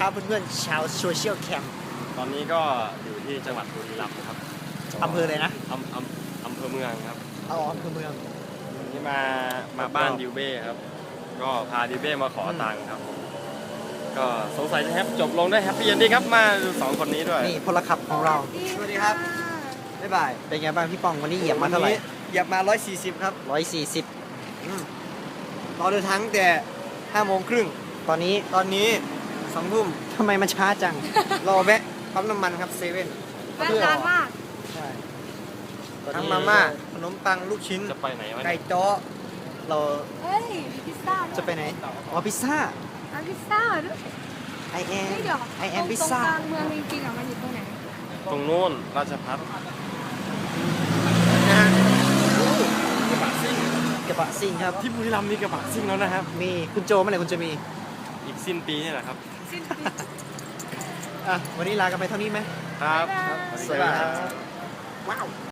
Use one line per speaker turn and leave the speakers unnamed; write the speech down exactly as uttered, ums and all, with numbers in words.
ครับเพื่อนๆชาวโซเชียลแคมป์
ตอนนี้ก็อยู่ที่จังหวัดบุรีรัมย์ครับ
อำเภอเลยนะ
อำอำอำเภอเมืองครับ
อ๋ออำเภอเมือง
นี่มามาบ้านดิวเบ้ครับก็พาดิวเบ้มาขอตังค์ครับก็สงสัยจะแฮปจบลงได้แฮปปี้เอนดิ้งครับมาดูสองคนนี้ด้วย
นี่พลขับของเรา
สวัสดีครับบ๊ายบาย
เป็นไงบ้างพี่ปองวันนี้เหยียบมาเท่าไหร่
เหยียบมาร้อยสี่สิบครับ
ร้อยสี่สิบ
รอเดินทางแต่ห้าโมงครึ่ง
ตอนนี้
ตอนนี้สองทุ่ม
ทำไมมันช้าจัง
รอแวะปั๊มน้ำมันครับเซเว่น
น่าทานมาก
ใช่ทั้งมาม่าขนมปังลูกชิ้น
จะไปไหนวะ
ไก่จ้อ
เรา
เฮ้ยพิซซ่า
จะไปไหนอ๋อพิซซ่า
ร้านพิซซ่าด้วย
ไอแอม
เดี๋ยว
ไอแอมพิซซ่า
ตรงกลางเมืองจริงๆอ่ะมันอยู่ตรงไหน
ตรงนู้นราชพัฒน์
นะฮะ
กระบะซิ่ง
กระบะซิ่งครับ
ที่บุรีรัมย์มีกระบะซิ่งแล้วนะครับ
มีคุณโจเมื่อไหร่คุณจะมี
อีกสิ้นปีนี่แหละครับ
สิ้นปี
อ่ะวันนี้ลากันไปเท่านี้ไหม
ครับ
สวัสดีครับว้าว